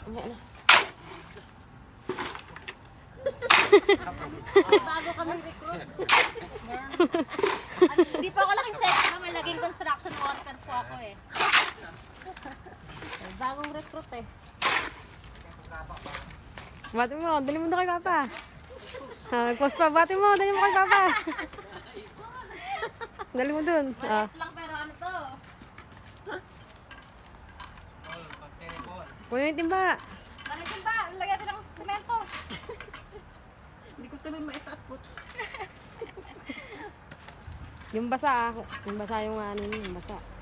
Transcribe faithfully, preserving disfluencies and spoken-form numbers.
Mamaya na. Bago kami recruit. Hindi pa ako laking set na may laging construction worker po ako eh. Bagong recruit eh. Bati mo, dali mo doon kay Papa. Ah, nag-post pa, bati mo, dali mo kay Papa. Dali mo doon. Ah. Maliit lang pero ano to? Puno yung timba. Maliit ba? Lagyan natin ng semento. Hindi ko tuloy maitaas po. Yung basa, ah. Yung basa yung ano, yung basa.